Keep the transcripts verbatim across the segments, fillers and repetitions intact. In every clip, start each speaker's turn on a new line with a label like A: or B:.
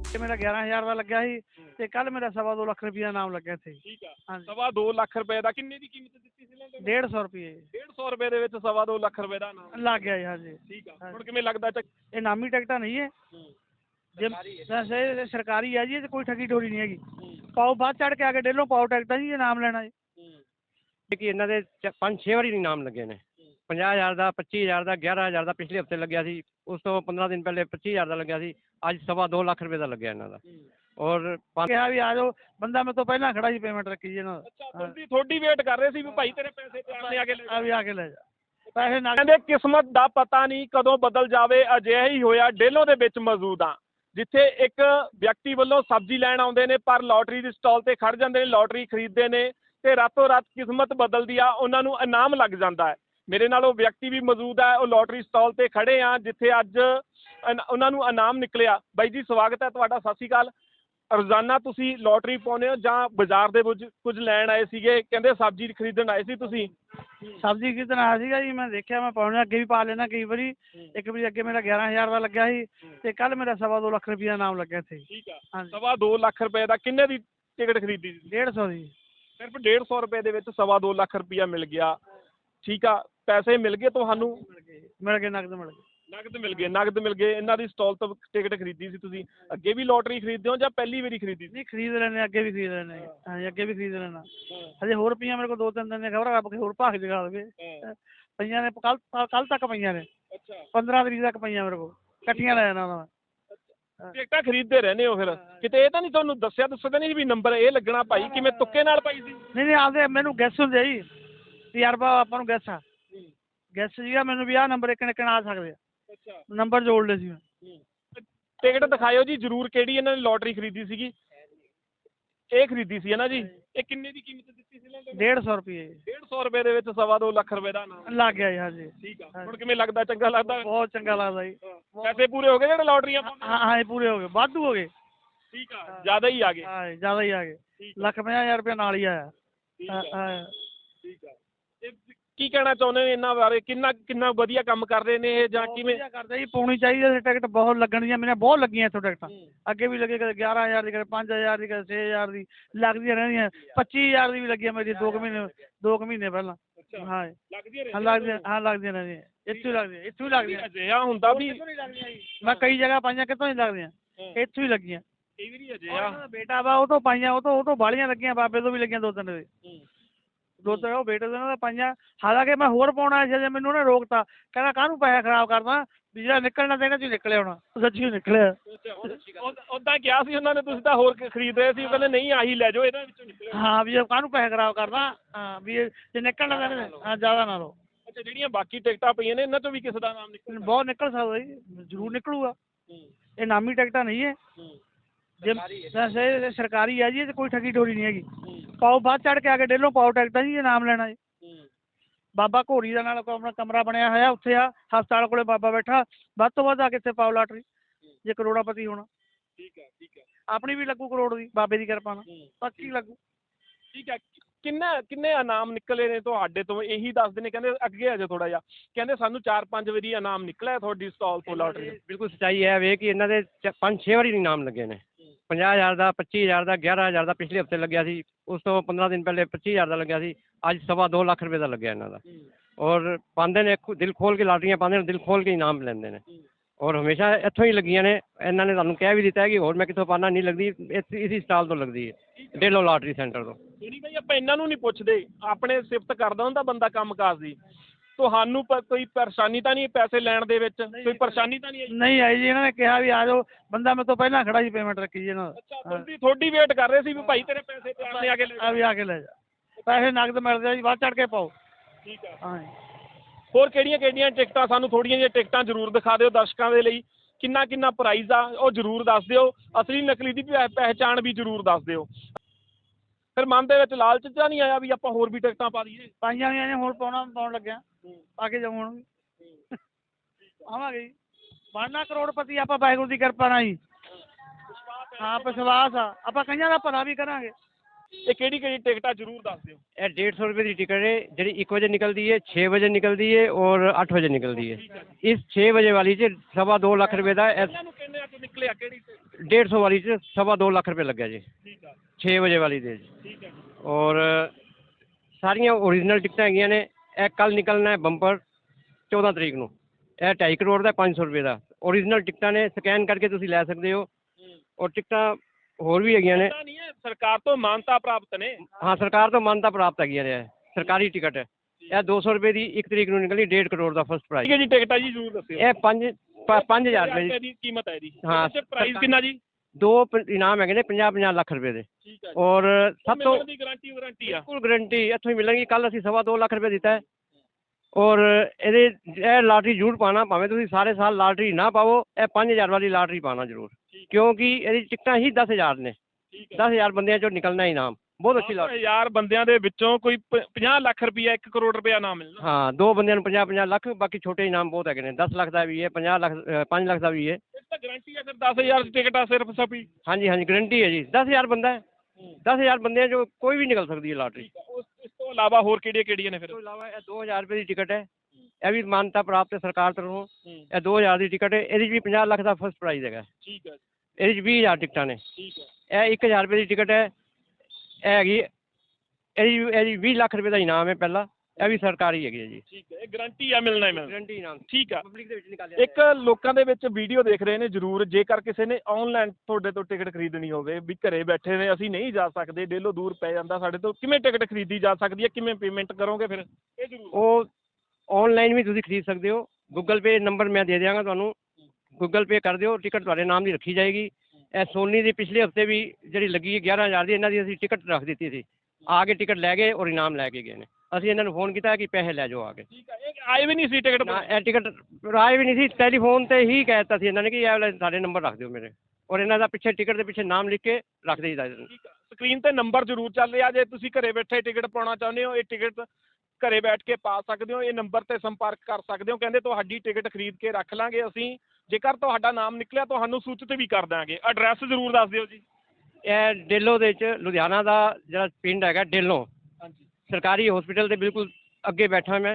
A: ਤੇ ਮੇਰਾ ਗਿਆਰਾਂ ਹਜ਼ਾਰ ਦਾ ਲੱਗਿਆ ਸੀ ਤੇ ਕੱਲ ਮੇਰਾ ਸਵਾ ਦੋ ਲੱਖ ਰੁਪਇਆ ਨਾਮ ਲੱਗਿਆ ਇੱਥੇ।
B: ਠੀਕ ਆ।
A: ਹਾਂਜੀ।
B: ਸਵਾ ਦੋ ਲੱਖ ਰੁਪਏ ਦਾ ਕਿੰਨੇ ਦੀ ਕੀਮਤ ਦਿੱਤੀ ਸੀ ਲੈਂਦੇ?
A: ਡੇਢ ਸੌ ਰੁਪਏ
B: ਡੇਢ ਸੌ ਰੁਪਏ ਦੇ ਵਿੱਚ ਸਵਾ ਦੋ ਲੱਖ ਰੁਪਏ ਦਾ ਨਾਮ
A: ਲੱਗ ਗਿਆ ਜੀ। ਹਾਂਜੀ।
B: ਠੀਕ ਆ। ਹੁਣ ਕਿਵੇਂ ਲੱਗਦਾ ਚੱਕ
A: ਇਹ ਨਾਮੀ ਟਿਕਟਾਂ ਨਹੀਂ ਹੈ, ਜੇ ਵੈਸੇ ਇਹ ਸਰਕਾਰੀ ਹੈ ਜੀ, ਇਹ 'ਚ ਕੋਈ ਠੱਗੀ ਠੋਰੀ ਨਹੀਂ ਹੈਗੀ। ਪਾਓ ਵੱਧ ਚੜ ਕੇ ਆ ਕੇ ਡੇਲੋਂ ਪਾਓ ਟਿਕਟਾਂ ਜੀ, ਇਹ ਨਾਮ ਲੈਣਾ ਜੀ।
C: ਕਿ ਇਹਨਾਂ ਦੇ ਚ- ਪੰਜ ਛੇ ਵਾਰੀ ਇਨਾਮ ਲੱਗੇ ਨੇ। ਪੰਜਾਹ ਹਜ਼ਾਰ ਦਾ, ਪੱਚੀ ਹਜ਼ਾਰ ਦਾ, ਗਿਆਰਾਂ ਹਜ਼ਾਰ ਦਾ ਪਿਛਲੇ ਹਫ਼ਤੇ ਲੱਗਿਆ ਸੀ। ਉਸ ਤੋਂ ਪੰਦਰਾਂ ਦਿਨ ਪਹਿਲੇ ਪੱਚੀ ਹਜ਼ਾਰ ਦਾ ਲੱਗਿਆ ਸੀ। ਅੱਜ ਸਵਾ ਦੋ ਲੱਖ ਰੁਪਏ ਦਾ ਲੱਗਿਆ ਇਹਨਾਂ ਦਾ। ਔਰ ਪੰਜ
A: ਕਿਹਾ ਵੀ ਆ ਜਾਓ, ਬੰਦਾ ਮੇਰੇ ਤੋਂ ਪਹਿਲਾਂ ਖੜਾ ਸੀ, ਪੇਮੈਂਟ ਰੱਖੀ ਜੀ ਇਹਨਾਂ ਦਾ।
B: ਅੱਛਾ, ਤੁਹਾਡੀ ਤੁਹਾਡੀ ਵੇਟ ਕਰ ਰਹੇ ਸੀ ਵੀ ਭਾਈ ਤੇਰੇ ਪੈਸੇ ਤੇ ਆਣੇ ਆ ਕੇ ਲੈ
A: ਆ ਵੀ ਆ ਕੇ ਲੈ ਜਾ ਪੈਸੇ ਨਾ।
B: ਕਹਿੰਦੇ ਕਿਸਮਤ ਦਾ ਪਤਾ ਨਹੀਂ ਕਦੋਂ ਬਦਲ ਜਾਵੇ, ਅਜਿਹਾ ਹੀ ਹੋਇਆ ਡੇਲੋਂ ਦੇ ਵਿੱਚ ਮੌਜੂਦ ਆ, ਜਿੱਥੇ ਇੱਕ ਵਿਅਕਤੀ ਵੱਲੋਂ ਸਬਜ਼ੀ ਲੈਣ ਆਉਂਦੇ ਨੇ ਪਰ ਲੋਟਰੀ ਦੀ ਸਟਾਲ ਤੇ ਖੜ ਜਾਂਦੇ ਨੇ, ਲੋਟਰੀ ਖਰੀਦਦੇ ਨੇ ਤੇ ਰਾਤੋਂ ਰਾਤ ਕਿਸਮਤ ਬਦਲਦੀ ਆ, ਉਹਨਾਂ ਨੂੰ ਇਨਾਮ ਲੱਗ ਜਾਂਦਾ ਹੈ। ਮੇਰੇ ਨਾਲ ਉਹ ਵਿਅਕਤੀ ਵੀ ਮੌਜੂਦ ਹੈ, ਉਹ ਲੋਟਰੀ ਸਟਾਲ ਤੇ ਖੜੇ ਆ ਜਿੱਥੇ ਅੱਜ ਇਨ- ਉਹਨਾਂ ਨੂੰ ਇਨਾਮ ਨਿਕਲਿਆ। ਬਾਈ ਜੀ ਸਵਾਗਤ ਹੈ ਤੁਹਾਡਾ, ਸਤਿ ਸ਼੍ਰੀ ਅਕਾਲ। ਰੋਜ਼ਾਨਾ ਤੁਸੀਂ ਲੋਟਰੀ ਪਾਉਂਦੇ ਹੋ ਜਾਂ ਬਾਜ਼ਾਰ ਦੇ ਵਿੱਚ ਕੁਝ ਲੈਣ ਆਏ ਸੀਗੇ? ਕਹਿੰਦੇ ਸਬਜ਼ੀ ਖਰੀਦਣ ਆਏ ਸੀ ਤੁਸੀਂ।
A: ਸਬਜ਼ੀ ਖਰੀਦਣ ਆਇਆ ਸੀਗਾ ਜੀ, ਮੈਂ ਦੇਖਿਆ ਮੈਂ ਪਾਉਣਾ ਅੱਗੇ ਵੀ ਪਾ ਲੈਣਾ ਕਈ ਵਾਰੀ। ਇੱਕ ਵਾਰੀ ਅੱਗੇ ਮੇਰਾ ਗਿਆਰਾਂ ਹਜ਼ਾਰ ਦਾ ਲੱਗਿਆ ਸੀ ਤੇ ਕੱਲ ਮੇਰਾ ਸਵਾ ਦੋ ਲੱਖ ਰੁਪਇਆ ਨਾਮ ਲੱਗਿਆ ਇੱਥੇ।
B: ਠੀਕ ਆ।
A: ਹਾਂਜੀ।
B: ਸਵਾ ਦੋ ਲੱਖ ਰੁਪਏ ਦਾ ਕਿੰਨੇ ਦੀ ਟਿਕਟ ਖਰੀਦੀ ਸੀ?
A: ਡੇਢ ਸੌ ਦੀ।
B: ਸਿਰਫ ਡੇਢ ਸੌ ਰੁਪਏ ਦੇ ਵਿੱਚ ਸਵਾ ਦੋ ਲੱਖ ਰੁਪਇਆ ਮਿਲ ਗਿਆ। ਠੀਕ ਆ, ਪੈਸੇ ਮਿਲ ਗਏ ਤੁਹਾਨੂੰ?
A: ਮਿਲ ਗਏ, ਨਗਦ ਮਿਲ ਗਏ।
B: ਨਗਦ ਮਿਲ ਗਏ, ਨਗਦ ਮਿਲ ਗਏ। ਇਹਨਾਂ ਦੀ ਸਟਾਲ ਤੋਂ ਟਿਕਟ ਖਰੀਦੀ ਸੀ ਤੁਸੀਂ? ਅੱਗੇ ਵੀ ਲੋਟਰੀ ਖਰੀਦਦੇ ਹੋ ਜਾਂ ਪਹਿਲੀ ਵਾਰੀ ਖਰੀਦੀ ਸੀ?
A: ਨਹੀਂ ਖਰੀਦ ਲੈਣੇ, ਅੱਗੇ ਵੀ ਖਰੀਦ ਲੈਣੇ। ਹਾਂਜੀ, ਅੱਗੇ ਵੀ ਖਰੀਦ ਲੈਣਾ। ਹਜੇ ਹੋਰ ਪਈਆਂ ਮੇਰੇ ਕੋਲ ਦੋ ਤਿੰਨ ਦਿਨ ਦੀਆਂ, ਖਬਰ ਰੱਬ ਕੇ ਹੋਰ ਭਾਗ ਜਗਾ ਦੇਵੇ। ਪਈਆਂ ਨੇ ਕੱਲ ਕੱਲ ਤੱਕ ਪਈਆਂ ਨੇ,
B: ਅੱਛਾ,
A: ਪੰਦਰਾਂ ਤਰੀਕ ਤੱਕ ਪਈਆਂ ਮੇਰੇ ਕੋਲ, ਇਕੱਠੀਆਂ ਲੈ ਜਾਣਾ ਉਹਨਾਂ ਨੇ।
B: ਟਿਕਟਾਂ ਖਰੀਦਦੇ ਰਹਿੰਦੇ ਹੋ ਫਿਰ? ਕਿਤੇ ਇਹ ਤਾਂ ਨਹੀਂ ਤੁਹਾਨੂੰ ਦੱਸਿਆ ਦੱਸਿਆ ਤਾਂ ਨਹੀਂ ਵੀ ਨੰਬਰ ਇਹ ਲੱਗਣਾ ਭਾਈ? ਕਿਵੇਂ ਤੁੱਕੇ ਨਾਲ ਪਾਈ ਸੀ?
A: ਨਹੀਂ ਨਹੀਂ, ਆਪਦੇ ਮੈਨੂੰ ਗੈਸ ਹੁੰਦੇ ਜੀ, ਤਜਰਬਾ ਆਪਾਂ ਨੂੰ ਗੈਸ ਆ। ਗੈਸ ਸੀਗਾ ਮੈਨੂੰ ਵੀ ਆਹ ਨੰਬਰ ਇੱਕ ਨਿਕਣ ਆ ਸਕਦੇ ਆ,
B: ਅੱਛਾ,
A: ਨੰਬਰ ਜੋੜ ਲਏ ਸੀ ਮੈਂ।
B: ਟਿਕਟ ਦਿਖਾਇਓ ਜੀ ਜ਼ਰੂਰ, ਕਿਹੜੀ ਇਹਨਾਂ ਨੇ ਲੋਟਰੀ ਖਰੀਦੀ ਸੀਗੀ? ਇਹ ਖਰੀਦੀ ਸੀ ਹੈ ਨਾ ਜੀ? ਇਹ ਕਿੰਨੇ ਦੀ ਕੀਮਤ ਦਿੱਤੀ ਸੀ ਲੈਂਦੇ?
A: ਡੇਢ ਸੌ ਰੁਪਏ
B: ਡੇਢ ਸੌ ਰੁਪਏ ਦੇ ਵਿੱਚ ਸਵਾ ਦੋ ਲੱਖ ਰੁਪਏ ਦਾ ਨਾਮ
A: ਲੱਗ ਗਿਆ ਜੀ। ਹਾਂਜੀ।
B: ਠੀਕ ਆ। ਹੁਣ ਕਿਵੇਂ ਲੱਗਦਾ? ਚੰਗਾ ਲੱਗਦਾ?
A: ਬਹੁਤ ਚੰਗਾ ਲੱਗਦਾ ਜੀ।
B: ਪੈਸੇ ਪੂਰੇ ਹੋ ਗਏ ਜਿਹੜੇ ਲੋਟਰੀਆਂ ਪਾਉਂਦੇ?
A: ਹਾਂ ਹਾਂ, ਇਹ ਪੂਰੇ ਹੋ ਗਏ, ਵਾਧੂ ਹੋ ਗਏ।
B: ਠੀਕ ਆ, ਜ਼ਿਆਦਾ ਹੀ ਆ ਗਏ।
A: ਹਾਂ, ਜ਼ਿਆਦਾ ਹੀ ਆ ਗਏ।
B: ਠੀਕ
A: ਲੱਖ ਪੰਜਾਹ ਹਜ਼ਾਰ ਰੁਪਏ ਨਾਲ ਹੀ ਆਇਆ।
B: ਠੀਕ
A: ਹਾਂ,
B: ਆ,
A: ਹਾਂ।
B: ਠੀਕ ਆ। ਇਹ ਕੀ ਕਹਿਣਾ ਚਾਹੁੰਦੇ ਨੇ ਇਹਨਾਂ ਬਾਰੇ? ਕਿੰਨਾ ਕਿੰਨਾ ਵਧੀਆ ਕੰਮ ਕਰ ਰਹੇ ਨੇ ਇਹ ਜਾਂ
A: ਬਹੁਤ
B: ਕਿਵੇਂ?
A: ਵਧੀਆ ਕਰਦੇ ਜੀ, ਪਾਉਣੀ ਚਾਹੀਦੀ ਹੈ ਟਿਕਟ, ਬਹੁਤ ਲੱਗਣੀਆਂ। ਮੇਰੇ ਬਹੁਤ ਲੱਗੀਆਂ ਇੱਥੋਂ ਟਿਕਟਾਂ, ਅੱਗੇ ਵੀ ਲੱਗੇ, ਕਦੇ ਗਿਆਰਾਂ ਹਜ਼ਾਰ ਦੀ, ਕਦੇ ਪੰਜ ਹਜ਼ਾਰ ਦੀ, ਕਦੇ ਛੇ ਹਜ਼ਾਰ ਦੀ ਲੱਗਦੀਆਂ ਰਹਿੰਦੀਆਂ। ਪੱਚੀ ਹਜ਼ਾਰ ਦੀ ਵੀ ਲੱਗੀ ਆ ਮੇਰੀ ਦੋ ਕੁ ਮਹੀਨੇ ਦੋ ਕੁ ਮਹੀਨੇ ਪਹਿਲਾਂ।
B: ਅੱਛਾ,
A: ਹਾਂ
B: ਲੱਗਦੀਆਂ
A: ਹਾਂ, ਲੱਗਦੀਆਂ, ਹਾਂ ਲੱਗਦੀਆਂ ਰਹਿੰਦੀਆਂ। ਇੱਥੋਂ ਹੀ ਲੱਗਦੀਆਂ, ਇੱਥੋਂ ਹੀ ਲੱਗਦੀਆਂ।
B: ਅਜਿਹਾ ਹੁੰਦਾ ਵੀ
A: ਮੈਂ ਕਈ ਜਗ੍ਹਾ ਪਾਈਆਂ, ਕਿਤੋਂ ਨਹੀਂ ਲੱਗਦੀਆਂ, ਇੱਥੋਂ ਹੀ ਲੱਗੀਆਂ।
B: ਕਈ ਵਾਰੀ
A: ਉਹ
B: ਅਜਿਹਾ
A: ਇਹਨਾਂ ਦਾ ਬੇਟਾ ਵਾ, ਉਹ ਤੋਂ ਪਾਈਆਂ, ਉਹ ਤੋਂ ਉਹ ਤੋਂ ਬਾਹਲੀਆਂ ਲੱਗੀਆਂ, ਬਾਬੇ ਤੋਂ ਵੀ ਲੱਗੀਆਂ ਦੋ ਤਿੰਨ ਦੇ, ਦੋ ਤਿੰਨ ਉਹ ਬੇਟੇ ਦੇ ਉਹਨਾਂ ਦਾ ਪਾਈਆਂ। ਹਾਲਾਂਕਿ ਮੈਂ ਹੋਰ ਪਾਉਣਾ ਸੀ, ਜੇ ਮੈਨੂੰ ਉਹਨੇ ਰੋਕਤਾ, ਕਹਿੰਦਾ ਕਾਹਨੂੰ ਪੈਸਾ ਖਰਾਬ ਕਰਦਾ, ਵੀ ਜਿਹੜਾ ਨਿਕਲਣਾ ਚਾਹੀਦਾ ਤੂੰ ਨਿਕਲਿਆ ਹੋਣਾ, ਸੱਚੀ ਓ ਨਿਕਲਿਆ।
B: ਉਦਾਂ ਕਿਹਾ ਸੀ ਉਹਨਾਂ ਨੇ, ਤੁਸੀਂ ਤਾਂ ਹੋਰ ਕ- ਖਰੀਦ ਰਹੇ ਸੀ, ਉਹ ਕਹਿੰਦੇ ਨਹੀਂ ਆਹੀ ਲੈ ਜਾਓ, ਇਹਦੇ ਵਿੱਚੋਂ ਨਿਕਲਿਓ।
A: ਹਾਂ, ਵੀ ਇਹ ਕਾਹਨੂੰ ਪੈਸਾ ਖਰਾਬ ਕਰਦਾ। ਹਾਂ, ਵੀ ਇਹ ਜੇ ਨਿਕਲਣਾ ਚਾਹੀਦਾ, ਹਾਂ ਜ਼ਿਆਦਾ ਨਾ ਲਓ।
B: ਅੱਛਾ, ਜਿਹੜੀਆਂ ਬਾਕੀ ਟਿਕਟਾਂ ਪਈਆਂ ਨੇ ਇਹਨਾਂ ਚੋਂ ਵੀ ਕਿਸੇ ਦਾ ਨਾਮ ਨਿਕਲ?
A: ਬਹੁਤ ਨਿਕਲ ਸਕਦਾ ਜੀ, ਜ਼ਰੂਰ ਨਿਕਲੂਗਾ। ਇਹ ਨਾਮੀ ਟਿਕਟਾਂ ਨਹੀਂ ਹੈ, ਜੇ ਵੈਸੇ ਇਹ ਸਰਕਾਰੀ ਹੈ ਜੀ, ਇਹ 'ਚ ਕੋਈ ਠੱਗੀ ਠੋਰੀ ਨਹੀਂ ਹੈਗੀ। ਪਾਓ ਵੱਧ ਚੜ ਕੇ ਆ ਕੇ ਡੇਲੋਂ ਪਾਓ ਟਿਕਟਾਂ ਜੀ, ਇਹ ਨਾਮ ਲੈਣਾ ਜੀ। ਬਾਬਾ ਘੋੜੀ ਦਾ ਨਾਲ ਆਪਣਾ ਕਮਰਾ ਬਣਿਆ ਹੋਇਆ, ਉੱਥੇ ਆ ਹਸਪਤਾਲ ਕੋਲੇ ਬਾਬਾ ਬੈਠਾ, ਵੱਧ ਤੋਂ ਵੱਧ ਆ ਕਿੱਥੇ ਪਾਓ ਲਾਟਰੀ, ਜੇ ਕਰੋੜਾਪਤੀ ਹੋਣਾ।
B: ਠੀਕ ਆ, ਠੀਕ ਆ,
A: ਆਪਣੀ ਵੀ ਲੱਗੂ ਕਰੋੜ ਦੀ, ਬਾਬੇ ਦੀ ਕਿਰਪਾ ਨਾਲ ਪੱਕੀ ਲੱਗੂ।
B: ਠੀਕ ਆ। ਕਿੰਨਾ ਕਿੰਨੇ ਇਨਾਮ ਨਿਕਲੇ ਨੇ ਤੁਹਾਡੇ ਤੋਂ? ਇਹੀ ਦੱਸਦੇ ਨੇ, ਕਹਿੰਦੇ ਅੱਗੇ ਅਜੇ ਥੋੜਾ ਜਿਹਾ, ਕਹਿੰਦੇ ਸਾਨੂੰ ਚਾਰ ਪੰਜ ਵਾਰੀ ਇਨਾਮ ਨਿਕਲਿਆ ਤੁਹਾਡੀ ਸਟਾਲ ਤੋਂ ਲੋਟਰੀ।
C: ਬਿਲਕੁਲ ਸੱਚਾਈ ਹੈ ਵੇ ਕਿ ਇਹਨਾਂ ਦੇ ਚ- ਪੰਜ ਛੇ ਵਾਰੀ ਇਨਾਮ ਲੱਗੇ ਨੇ। ਪੰਜਾਹ ਹਜ਼ਾਰ ਦਾ, ਪੱਚੀ ਹਜ਼ਾਰ ਦਾ, ਗਿਆਰਾਂ ਹਜ਼ਾਰ ਦਾ ਪਿਛਲੇ ਹਫ਼ਤੇ ਲੱਗਿਆ ਸੀ। ਉਸ ਤੋਂ ਪੰਦਰਾਂ ਦਿਨ ਪਹਿਲੇ ਪੱਚੀ ਹਜ਼ਾਰ ਦਾ ਲੱਗਿਆ ਸੀ। ਅੱਜ ਸਵਾ ਦੋ ਲੱਖ ਰੁਪਏ ਦਾ ਲੱਗਿਆ ਇਹਨਾਂ ਦਾ। ਔਰ ਪਾਉਂਦੇ ਨੇ, ਦਿਲ ਖੋਲ ਕੇ ਲਾਟਰੀਆਂ ਪਾਉਂਦੇ ਨੇ, ਦਿਲ ਖੋਲ ਕੇ ਇਨਾਮ ਲੈਂਦੇ ਨੇ। ਔਰ ਹਮੇਸ਼ਾ ਇੱਥੋਂ ਹੀ ਲੱਗੀਆਂ ਨੇ। ਇਹਨਾਂ ਨੇ ਤੁਹਾਨੂੰ ਕਹਿ ਵੀ ਦਿੱਤਾ ਹੈ ਕਿ ਹੋਰ ਮੈਂ ਕਿੱਥੋਂ ਪਾਉਣਾ, ਨਹੀਂ ਲੱਗਦੀ, ਇਸ ਇਸੀ ਸਟਾਲ ਤੋਂ ਲੱਗਦੀ ਹੈ, ਡੇਲੋ ਲਾਟਰੀ ਸੈਂਟਰ ਤੋਂ।
B: ਨਹੀਂ ਬਈ, ਆਪਾਂ ਇਹਨਾਂ ਨੂੰ ਨਹੀਂ ਪੁੱਛਦੇ, ਆਪਣੇ ਸਿਫਤ ਕਰਦਾ ਹੁੰਦਾ ਬੰਦਾ ਕੰਮ ਕਾਜ ਦੀ। ਤੁਹਾਨੂੰ ਪ- ਕੋਈ ਪਰੇਸ਼ਾਨੀ ਤਾਂ ਨਹੀਂ ਪੈਸੇ ਲੈਣ ਦੇ ਵਿੱਚ? ਕੋਈ ਪਰੇਸ਼ਾਨੀ ਤਾਂ ਨਹੀਂ ਆਈ?
A: ਨਹੀਂ ਆਈ ਜੀ, ਇਹਨਾਂ ਨੇ ਕਿਹਾ ਵੀ ਆ ਜਾਓ, ਬੰਦਾ ਮੇਰੇ ਤੋਂ ਪਹਿਲਾਂ ਖੜਾ ਸੀ, ਪੇਮੈਂਟ ਰੱਖੀ ਜੀ ਇਹਨਾਂ ਦਾ।
B: ਅੱਛਾ, ਤੁਹਾਡੀ ਤੁਹਾਡੀ ਵੇਟ ਕਰ ਰਹੇ ਸੀ ਵੀ ਭਾਈ ਤੇਰੇ ਪੈਸੇ ਤੇ ਆਣੇ ਆ ਕੇ ਲੈ
A: ਆ ਵੀ ਆ ਕੇ ਲੈ ਜਾ, ਪੈਸੇ ਨਗਦ ਮਿਲਦੇ ਆ ਜੀ, ਵੱਧ ਚੜ ਕੇ ਪਾਓ।
B: ਠੀਕ ਆ।
A: ਹਾਂ।
B: ਹੋਰ ਕਿਹੜੀਆਂ ਕਿਹੜੀਆਂ ਟਿਕਟਾਂ? ਸਾਨੂੰ ਥੋੜ੍ਹੀਆਂ ਜਿਹੀਆਂ ਟਿਕਟਾਂ ਜ਼ਰੂਰ ਦਿਖਾ ਦਿਓ ਦਰਸ਼ਕਾਂ ਦੇ ਲਈ। ਕਿੰਨਾ ਕਿੰਨਾ ਪ੍ਰਾਈਜ਼ ਆ ਉਹ ਜ਼ਰੂਰ ਦੱਸ ਦਿਓ। ਅਸਲੀ ਨਕਲੀ ਦੀ ਪਹਿ- ਪਹਿਚਾਣ ਵੀ ਜ਼ਰੂਰ ਦੱਸ ਦਿਓ। ਫਿਰ ਮਨ ਦੇ ਵਿੱਚ ਲਾਲਚ ਤਾਂ ਨਹੀਂ ਆਇਆ ਵੀ ਆਪਾਂ ਹੋਰ ਵੀ ਟਿਕਟਾਂ ਪਾ ਦਈਏ?
A: ਪਾਈਆਂ ਹੋਈਆਂ ਨੇ, ਹੁਣ ਪਾਉਣਾ ਪਾਉਣ ਲੱਗਿਆ, ਪਾ ਕੇ ਜਾਊਂ ਹੁਣ ਵੀ। ਆਵਾਂਗੇ ਜੀ, ਬਣਨਾ ਕਰੋੜਪਤੀ ਆਪਾਂ ਵਾਹਿਗੁਰੂ ਦੀ ਕਿਰਪਾ ਨਾਲ ਜੀ। ਹਾਂ, ਵਿਸ਼ਵਾਸ ਆ, ਆਪਾਂ ਕਈਆਂ ਦਾ ਭਲਾ ਵੀ ਕਰਾਂਗੇ।
B: ਇਹ ਕਿਹੜੀ ਕਿਹੜੀ ਟਿਕਟਾਂ ਜ਼ਰੂਰ ਦੱਸ ਦਿਓ।
C: ਇਹ ਡੇਢ ਸੌ ਰੁਪਏ ਦੀ ਟਿਕਟ है जी, एक बजे निकलती है, छः बजे निकलती है और आठ बजे निकलती है। इस छः बजे वाली च सवा दो लाख रुपए का
B: ਇਹਨਾਂ ਨੂੰ ਕਿੰਨੇ ਚ ਨਿਕਲਿਆ ਕਿਹੜੀ ਤੇ?
C: डेढ़ सौ वाली च सवा दो लाख रुपए लग गया जी,
B: ਠੀਕ ਆ
C: छः बजे वाली दे जी।
B: ਠੀਕ ਹੈ ਜੀ।
C: और ਸਾਰੀਆਂ ओरिजिनल टिकटां ਹੈਗੀਆਂ ਨੇ। ਇਹ ਕੱਲ ਨਿਕਲਣਾ ਹੈ ਬੰਪਰ चौदह ਤਰੀਕ ਨੂੰ। ਇਹ ਢਾਈ ਕਰੋੜ ਦਾ ਪੰਜ ਸੌ ਰੁਪਏ ਦਾ ओरिजिनल ਟਿਕਟਾਂ ਨੇ, ਸਕੈਨ ਕਰਕੇ ਤੁਸੀਂ ਲੈ ਸਕਦੇ ਹੋ। ਔਰ ਟਿਕਟਾਂ ਹੋਰ ਵੀ ਹੈਗੀਆਂ ਨੇ।
B: ਪਤਾ ਨਹੀਂ ਹੈ ਸਰਕਾਰ ਤੋਂ ਮਾਨਤਾ ਪ੍ਰਾਪਤ ਨੇ।
C: ਹਾਂ ਸਰਕਾਰ ਤੋਂ ਮਾਨਤਾ ਪ੍ਰਾਪਤ ਹੈਗੀਆਂ ਨੇ। ਸਰਕਾਰੀ ਟਿਕਟ ਹੈ ਇਹ ਦੋ ਸੌ ਰੁਪਏ ਦੀ ਇੱਕ ਤਰੀਕ ਨੂੰ ਨਿਕਲੀ, ਡੇਢ ਕਰੋੜ ਦਾ ਫਸਟ
B: ਠੀਕ
C: ਪ੍ਰਾਈਜ਼।
B: ਹੈ ਜੀ, ਟਿਕਟ ਹੈ ਜੀ ਜ਼ਰੂਰ ਦੱਸਿਓ।
C: ਇਹ ਪੰਜ ਪ- ਪੰਜ ਹਜ਼ਾਰ ਰੁਪਏ ਦੀ
B: ਦੀ ਕੀਮਤ ਹੈ ਇਹਦੀ।
C: ਹਾਂ,
B: ਪ੍ਰਾਈਸ ਕਿੰਨਾ ਜੀ?
C: ਦੋ ਪ- ਇਨਾਮ ਹੈਗੇ ਨੇ ਪੰਜਾਹ ਪੰਜਾਹ ਲੱਖ ਰੁਪਏ ਦੇ।
B: ਠੀਕ ਹੈ
C: ਔਰ ਸਭ ਤੋਂ
B: ਦੀ ਗਾਰੰਟੀ ਵਾਰੰਟੀ ਆ।
C: ਬਿਲਕੁਲ ਗਰੰਟੀ ਇੱਥੋਂ ਹੀ ਮਿਲਣਗੀ। ਕੱਲ ਅਸੀਂ ਸਵਾ ਦੋ ਲੱਖ ਰੁਪਏ ਦਿੱਤਾ ਹੈ। ਔਰ ਇਹਦੇ ਇਹ ਲਾਟਰੀ ਜ਼ਰੂਰ ਪਾਣਾ, ਭਾਵੇਂ ਤੁਸੀਂ ਸਾਰੇ ਸਾਲ ਲਾਟਰੀ ਨਾ ਪਾਵੋ, ਇਹ ਪੰਜ ਹਜ਼ਾਰ ਵਾਲੀ ਲਾਟਰੀ ਪਾਣਾ ਜ਼ਰੂਰ, ਕਿਉਂਕਿ ਇਹਦੀ ਟਿਕਟਾਂ ਹੀ ਦਸ ਹਜ਼ਾਰ ਨੇ।
B: ਠੀਕ ਹੈ
C: ਦਸ ਹਜ਼ਾਰ ਬੰਦਿਆਂ ਚੋਂ ਨਿਕਲਣਾ ਇਨਾਮ, ਬਹੁਤ ਅੱਛੀ ਲਾਟਰੀ।
B: ਹਜ਼ਾਰ ਬੰਦਿਆਂ ਦੇ ਵਿੱਚੋਂ ਕੋਈ ਪ- ਪੰਜਾਹ ਲੱਖ ਰੁਪਇਆ ਇੱਕ ਕਰੋੜ ਰੁਪਇਆ ਨਾਮ ਮਿਲਣਾ।
C: ਹਾਂ ਦੋ ਬੰਦਿਆਂ ਨੂੰ ਪੰਜਾਹ ਪੰਜਾਹ ਲੱਖ, ਬਾਕੀ ਛੋਟੇ ਇਨਾਮ ਬਹੁਤ ਹੈਗੇ ਨੇ। ਦਸ ਲੱਖ ਦਾ ਵੀ ਹੈ, ਪੰਜਾਹ ਲੱਖ ਅ, ਪੰਜ ਲੱਖ ਦਾ ਵੀ ਹੈ।
B: ਇਹ ਤਾਂ ਗਾਰੰਟੀ ਹੈ ਫਿਰ ਦਸ ਹਜ਼ਾਰ ਦੀ ਟਿਕਟ ਆ ਸਿਰਫ ਸਭੀ।
C: ਹਾਂਜੀ ਹਾਂਜੀ ਗਰੰਟੀ ਹੈ ਜੀ। ਦਸ ਹਜ਼ਾਰ ਬੰਦਾ ਹੈ, ਦਸ ਹਜ਼ਾਰ ਬੰਦਿਆਂ ਚੋਂ ਕੋਈ ਵੀ ਨਿਕਲ ਸਕਦੀ ਹੈ ਲਾਟਰੀ।
B: ਠੀਕ ਹੈ। ਉਸ ਇਸ ਤੋਂ ਇਲਾਵਾ ਹੋਰ ਕਿਹੜੀਆਂ ਕਿਹੜੀਆਂ ਨੇ
C: ਇਸ
B: ਫਿਰ?
C: ਤੋਂ ਇਲਾਵਾ ਇਹ ਦੋ ਹਜ਼ਾਰ ਰੁਪਏ ਦੀ ਟਿਕਟ ਹੈ, ਇਹ ਵੀ ਮਾਨਤਾ ਪ੍ਰਾਪਤ ਹੈ ਸਰਕਾਰ ਤਰਫੋਂ।
B: ਹੂੰ।
C: ਇਹ ਦੋ ਹਜ਼ਾਰ ਦੀ ਟਿਕਟ ਹੈ, ਇਹਦੇ 'ਚ ਵੀ ਪੰਜਾਹ ਲੱਖ ਦਾ ਫਸਟ ਪ੍ਰਾਈਜ਼ ਹੈਗਾ।
B: ਠੀਕ ਹੈ
C: ਇਹਦੇ 'ਚ ਵੀਹ ਹਜ਼ਾਰ ਟਿਕਟਾਂ ਨੇ।
B: ਠੀਕ ਹੈ
C: ਇਹ ਇੱਕ ਹਜ਼ਾਰ ਰੁਪਏ ਦੀ ਟਿਕਟ ਹੈ, ਇਹ ਹੈਗੀ ਇਹਦੀ ਇਹਦੀ ਵੀਹ ਲੱਖ ਰੁਪਏ ਦਾ ਇਨਾਮ ਹੈ ਪਹਿਲਾ। ਇਹ ਵੀ ਸਰਕਾਰੀ ਹੈਗੀ ਹੈ ਜੀ,
B: ਠੀਕ ਹੈ। ਇਹ ਗਾਰੰਟੀ ਆ ਮਿਲਣਾ ਹੀ ਮਿਲਣਾ।
C: ਗਰੰਟੀ ਇਨਾਮ
B: ਠੀਕ ਆ।
C: ਪਬਲਿਕ ਦੇ ਵਿੱਚ ਨਿਕਾਲਿਆ
B: ਇੱਕ ਲੋਕਾਂ ਦੇ ਵਿੱਚ ਵੀਡੀਓ ਦੇਖ ਰਹੇ ਨੇ ਜ਼ਰੂਰ, ਜੇਕਰ ਕਿਸੇ ਨੇ ਆਨਲਾਈਨ ਤੁਹਾਡੇ ਤੋਂ ਟਿਕਟ ਖਰੀਦਣੀ ਹੋਵੇ, ਵੀ ਘਰੇ ਬੈਠੇ ਨੇ ਅਸੀਂ ਨਹੀਂ ਜਾ ਸਕਦੇ, ਡੇਲੋ ਦੂਰ ਪੈ ਜਾਂਦਾ ਸਾਡੇ ਤੋਂ, ਕਿਵੇਂ ਟਿਕਟ ਖਰੀਦੀ ਜਾ ਸਕਦੀ ਹੈ, ਕਿਵੇਂ ਪੇਮੈਂਟ ਕਰੋਗੇ ਫਿਰ? ਇਹ ਜ਼ਰੂਰ
C: ਉਹ ਆਨਲਾਈਨ ਵੀ ਤੁਸੀਂ ਖਰੀਦ ਸਕਦੇ ਹੋ। ਗੂਗਲ ਪੇ ਨੰਬਰ ਮੈਂ ਦੇ ਦਿਆਂਗਾ ਤੁਹਾਨੂੰ, ਗੂਗਲ ਪੇ ਕਰ ਦਿਓ, ਟਿਕਟ ਤੁਹਾਡੇ ਨਾਮ ਦੀ ਰੱਖੀ ਜਾਏਗੀ। ਇਹ ਸੋਨੀ ਦੀ ਪਿਛਲੇ ਹਫਤੇ ਵੀ ਜਿਹੜੀ ਲੱਗੀ ਹੈ ਗਿਆਰਾਂ ਹਜ਼ਾਰ ਦੀ, ਇਹਨਾਂ ਦੀ ਅਸੀਂ ਟਿਕਟ ਰੱਖ ਦਿੱਤੀ ਸੀ। ਆ ਕੇ ਟਿਕਟ ਲੈ ਗਏ ਔਰ ਇਨਾਮ ਲੈ ਕੇ ਗਏ ਨੇ। ਅਸੀਂ ਇਹਨਾਂ ਨੂੰ ਫੋਨ ਕੀਤਾ ਕਿ ਪੈਸੇ ਲੈ ਜਾਓ ਆ ਕੇ।
B: ਠੀਕ ਹੈ। ਇਹ ਆਏ ਵੀ ਨਹੀਂ ਸੀ ਟਿਕਟ
C: ਨਾ ਇਹ ਟਿਕਟ ਰਾਏ ਵੀ ਨਹੀਂ ਸੀ, ਟੈਲੀਫੋਨ ਤੇ ਹੀ ਕਹਿ ਦਿੱਤਾ ਸੀ ਇਹਨਾਂ ਨੇ ਕਿ ਇਹ ਵਾਲੇ ਸਾਡੇ ਨੰਬਰ ਰੱਖ ਦਿਓ ਮੇਰੇ, ਔਰ ਇਹਨਾਂ ਦਾ ਪਿੱਛੇ ਟਿਕਟ ਦੇ ਪਿੱਛੇ ਨਾਮ ਲਿਖ ਕੇ ਰੱਖ ਦੇਈਦਾ।
B: ਠੀਕ ਆ। ਸਕਰੀਨ ਤੇ ਨੰਬਰ ਜ਼ਰੂਰ ਚੱਲ ਰਿਹਾ, ਜੇ ਤੁਸੀਂ ਘਰੇ ਬੈਠੇ ਟਿਕਟ ਪਾਉਣਾ ਚਾਹੁੰਦੇ ਹੋ, ਇਹ ਟਿਕਟ ਘਰੇ ਬੈਠ ਕੇ ਪਾ ਸਕਦੇ ਹੋ। ਇਹ ਨੰਬਰ ਤੇ ਸੰਪਰਕ ਕਰ ਸਕਦੇ ਹੋ। ਕਹਿੰਦੇ ਤੁਹਾਡੀ ਟਿਕਟ ਖਰੀਦ ਕੇ ਰੱਖ ਲਾਂਗੇ ਅਸੀਂ, ਜੇਕਰ ਤੁਹਾਡਾ ਨਾਮ ਨਿਕਲਿਆ ਤੁਹਾਨੂੰ ਸੂਚਿਤ ਵੀ ਕਰ ਦਾਂਗੇ। ਐਡਰੈਸ ਜ਼ਰੂਰ ਦੱਸ ਦਿਓ ਜੀ।
C: ਇਹ ਡੇਲੋ ਦੇ ਵਿੱਚ ਲੁਧਿਆਣਾ ਦਾ ਜਿਹੜਾ ਪਿੰਡ ਹੈਗਾ ਡੇਲੋ,
B: ਹਾਂਜੀ
C: ਸਰਕਾਰੀ ਹਸਪੀਟਲ ਦੇ ਬਿਲਕੁਲ ਅੱਗੇ ਬੈਠਾ ਮੈਂ,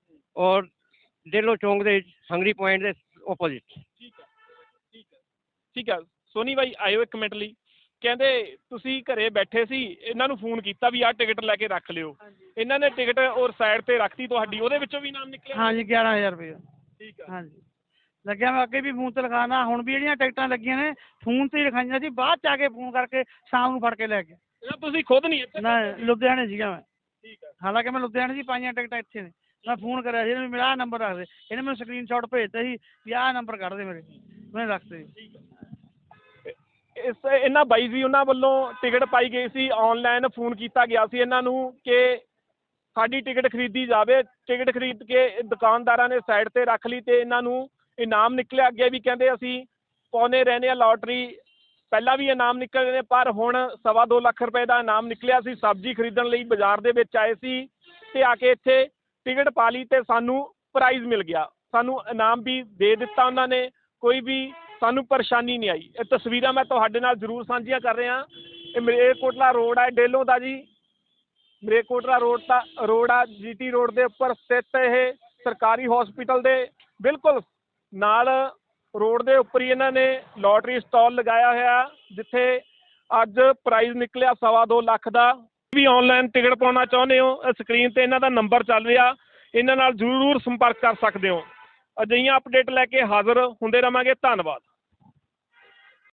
C: ਔਰ ਡੇਲੋ ਚੌਂਕ ਦੇ ਵਿੱਚ ਹੰਗਰੀ ਪੁਆਇੰਟ ਦੇ ਓਪੋਜ਼ਿਟ।
B: ਠੀਕ ਹੈ ਠੀਕ ਹੈ ਠੀਕ ਹੈ। ਸੋਨੀ ਬਾਈ ਆਇਓ ਇੱਕ ਮਿੰਟ ਲਈ। ਕਹਿੰਦੇ ਤੁਸੀਂ ਘਰੇ ਬੈਠੇ ਸੀ, ਇਹਨਾਂ ਨੂੰ ਫੋਨ ਕੀਤਾ ਵੀ ਆਹ ਟਿਕਟ ਲੈ ਕੇ ਰੱਖ ਲਿਓ, ਇਹਨਾਂ ਨੇ ਟਿਕਟ ਔਰ ਸਾਈਡ ਤੇ ਰੱਖਤੀ ਤੁਹਾਡੀ, ਉਹਦੇ ਵਿੱਚੋਂ ਵੀ ਨਾਮ ਨਿਕਲਿਆ?
A: ਹਾਂਜੀ ਗਿਆਰਾਂ ਹਜ਼ਾਰ ਰੁਪਏ।
B: ਠੀਕ ਹੈ
A: ਹਾਂਜੀ ਲੱਗਿਆ। ਮੈਂ ਅੱਗੇ ਵੀ ਫੋਨ ਤੇ ਲਿਖਾਉਣਾ, ਹੁਣ ਵੀ ਜਿਹੜੀਆਂ ਟਿਕਟਾਂ ਲੱਗੀਆਂ ਨੇ ਫੋਨ ਤੇ ਹੀ ਲਿਖਾਈਆਂ ਸੀ, ਬਾਅਦ ਚ ਆ ਕੇ ਫੋਨ ਕਰਕੇ ਸ਼ਾਮ ਨੂੰ ਫੜ ਕੇ ਲੈ ਗਿਆ।
B: ਇਹ ਤੁਸੀਂ ਖੁਦ ਨਹੀਂ ਇੱਥੇ?
A: ਨਾ ਲੁਧਿਆਣੇ ਸੀਗਾ ਮੈਂ,
B: ਠੀਕ ਹੈ
A: ਹਾਲਾਂਕਿ ਮੈਂ ਲੁਧਿਆਣੇ ਸੀ, ਪਾਈਆਂ ਟਿਕਟਾਂ ਇੱਥੇ ਨੇ। ਮੈਂ ਫੋਨ ਕਰਿਆ ਸੀ ਇਹਨੂੰ, ਮੇਰਾ ਆਹ ਨੰਬਰ ਰੱਖ ਦੇ। ਇਹਨੇ ਮੈਨੂੰ ਸਕਰੀਨ ਸ਼ਾਟ ਭੇਜਤਾ ਸੀ ਵੀ ਆਹ ਨੰਬਰ ਕੱਢ ਦੇ ਮੇਰੇ, ਮੈਂ ਰੱਖਤੇ ਸੀ।
B: ਇਸ ਇਹਨਾਂ ਬਾਈ ਜੀ ਉਹਨਾਂ ਵੱਲੋਂ ਟਿਕਟ ਪਾਈ ਗਈ ਸੀ, ਆਨਲਾਈਨ ਫੋਨ ਕੀਤਾ ਗਿਆ ਸੀ ਇਹਨਾਂ ਨੂੰ ਕਿ ਸਾਡੀ ਟਿਕਟ ਖਰੀਦੀ ਜਾਵੇ। ਟਿਕਟ ਖਰੀਦ ਕੇ ਦੁਕਾਨਦਾਰਾਂ ਨੇ ਸਾਈਡ ਤੇ ਰੱਖ ਲਈ ਤੇ ਇਹਨਾਂ ਨੂੰ ਇਨਾਮ ਨਿਕਲਿਆ। ਅੱਗੇ ਵੀ ਕਹਿੰਦੇ ਅਸੀਂ ਪਾਉਂਦੇ ਰਹਿੰਦੇ ਹਾਂ ਲਾਟਰੀ, ਪਹਿਲਾਂ ਵੀ ਇਨਾਮ ਨਿਕਲੇ ਨੇ, ਪਰ ਹੁਣ ਸਵਾ ਦੋ ਲੱਖ ਰੁਪਏ ਦਾ ਇਨਾਮ ਨਿਕਲਿਆ ਸੀ। ਸਬਜ਼ੀ ਖਰੀਦਣ ਲਈ ਬਾਜ਼ਾਰ ਦੇ ਵਿੱਚ ਆਏ ਸੀ ਤੇ ਆ ਕੇ ਇੱਥੇ ਟਿਕਟ ਪਾ ਲਈ ਤੇ ਸਾਨੂੰ ਪ੍ਰਾਈਜ਼ ਮਿਲ ਗਿਆ, ਸਾਨੂੰ ਇਨਾਮ ਵੀ ਦੇ ਦਿੱਤਾ ਉਹਨਾਂ ਨੇ, ਕੋਈ ਵੀ ਸਾਨੂੰ ਪਰੇਸ਼ਾਨੀ ਨਹੀਂ ਆਈ। ਇਹ ਤਸਵੀਰਾਂ ਮੈਂ ਤੁਹਾਡੇ ਨਾਲ ਜ਼ਰੂਰ ਸਾਂਝੀਆਂ ਕਰ ਰਿਹਾ। ਇਹ ਮਲੇਰਕੋਟਲਾ ਰੋਡ ਹੈ ਡੇਲੋ ਦਾ ਜੀ, ਮਲੇਰਕੋਟਲਾ ਰੋਡ ਦਾ ਰੋਡ ਆ, ਜੀਟੀ ਰੋਡ ਦੇ ਉੱਪਰ ਸਥਿਤ ਇਹ ਸਰਕਾਰੀ ਹਸਪੀਟਲ ਦੇ ਬਿਲਕੁਲ ਨਾਲ ਰੋਡ ਦੇ ਉੱਪਰ ਹੀ ਇਹਨਾਂ ਨੇ ਲੋਟਰੀ ਸਟਾਲ ਲਗਾਇਆ ਹੋਇਆ, ਜਿੱਥੇ ਅੱਜ ਪ੍ਰਾਈਜ਼ ਨਿਕਲਿਆ ਸਵਾ ਦੋ ਲੱਖ ਦਾ। ਵੀ ਆਨਲਾਈਨ ਟਿਕਟ ਪਾਉਣਾ ਚਾਹੁੰਦੇ ਹੋ, ਸਕਰੀਨ ਤੇ ਇਹਨਾਂ ਦਾ ਨੰਬਰ ਚੱਲ ਰਿਹਾ, ਇਹਨਾਂ ਨਾਲ ਜ਼ਰੂਰ ਸੰਪਰਕ ਕਰ ਸਕਦੇ ਹੋ। ਅਜਿਹੀਆਂ ਅਪਡੇਟ ਲੈ ਕੇ ਹਾਜ਼ਰ ਹੁੰਦੇ ਰਹਾਂਗੇ। ਧੰਨਵਾਦ।